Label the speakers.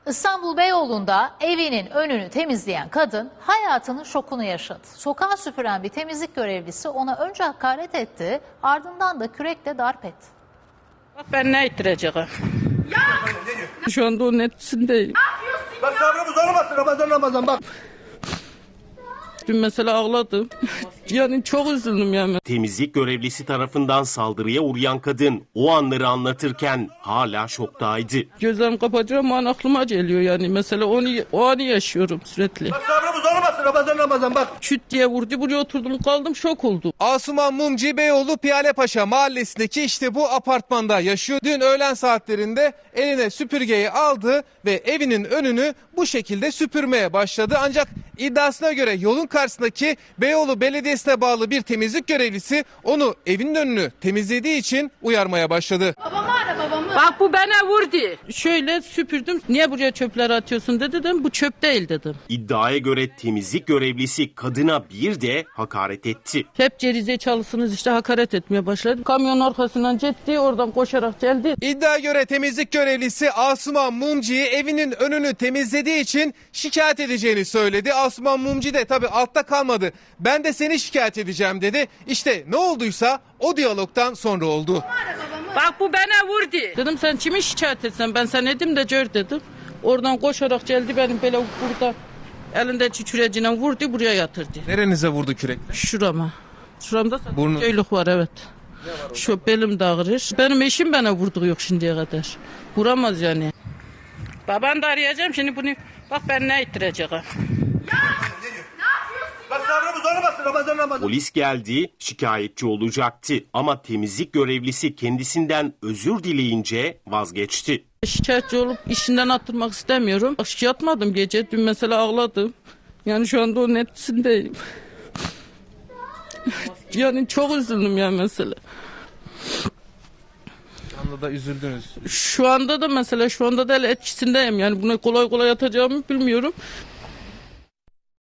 Speaker 1: İstanbul Beyoğlu'nda evinin önünü temizleyen kadın hayatının şokunu yaşadı. Sokağı süpüren bir temizlik görevlisi ona önce hakaret etti, ardından da kürekle darp etti.
Speaker 2: Bak ben ne ettireceğim? Şu anda onun etkisindeyim.
Speaker 3: Bak sabrımız olmasın Ramazan bak.
Speaker 2: Dün mesela ağladım. Yani çok üzüldüm yani.
Speaker 4: Temizlik görevlisi tarafından saldırıya uğrayan kadın o anları anlatırken hala şoktaydı.
Speaker 2: Gözlerimi kapatacağım o an aklıma geliyor yani. Mesela o anı yaşıyorum sürekli.
Speaker 3: Bak sabrımız olmasın Ramazan bak.
Speaker 2: Şüt diye vurdu, buraya oturdum kaldım, şok oldum.
Speaker 5: Asuman Mumci Beyoğlu Piyalepaşa mahallesindeki işte bu apartmanda yaşıyor. Dün öğlen saatlerinde eline süpürgeyi aldı ve evinin önünü bu şekilde süpürmeye başladı. Ancak iddiasına göre yolun karşısındaki Beyoğlu Belediyesi'ne bağlı bir temizlik görevlisi onu evinin önünü temizlediği için uyarmaya başladı.
Speaker 2: Bak bu bana vurdu. Şöyle süpürdüm. Niye buraya çöpleri atıyorsun dedim. Bu çöp değil dedim.
Speaker 4: İddiaya göre temizlik görevlisi kadına bir de hakaret etti.
Speaker 2: Hep gerizekalısınız işte hakaret etmeye başladı. Kamyon arkasından ciddi oradan koşarak geldi.
Speaker 5: İddiaya göre temizlik görevlisi Asuman Mumci'yi evinin önünü temizlediği için şikayet edeceğini söyledi. Asuman Mumci de tabii altta kalmadı. Ben de seni şikayet edeceğim dedi. İşte ne olduysa o diyalogtan sonra oldu.
Speaker 2: Bak bu bana vurdu. Dedim sen kimi şikayet etsen ben sana edim de gör dedim. Oradan koşarak geldi benim böyle burada elinde çiçürecine vurdu buraya yatırdı.
Speaker 5: Nerenize vurdu kürek?
Speaker 2: Şurama. Şuramda
Speaker 5: Burnu.
Speaker 2: köylük var evet. Şu belim de ağrır. Benim eşim bana vurdu yok şimdiye kadar. Vuramaz yani. Baban da arayacağım şimdi bunu. Bak ben ne ettireceğim.
Speaker 3: Bak sabrımız olmasın Ramazan.
Speaker 4: Polis geldi, şikayetçi olacaktı ama temizlik görevlisi kendisinden özür dileyince vazgeçti.
Speaker 2: Şikayetçi olup işinden attırmak istemiyorum. Bak yatmadım gece. Dün mesela ağladım. Yani şu anda onun etkisindeyim. Yani çok üzüldüm yani mesela.
Speaker 5: Şu anda da üzüldünüz.
Speaker 2: Şu anda da mesela şu anda da etkisindeyim. Yani buna kolay kolay atacağımı bilmiyorum.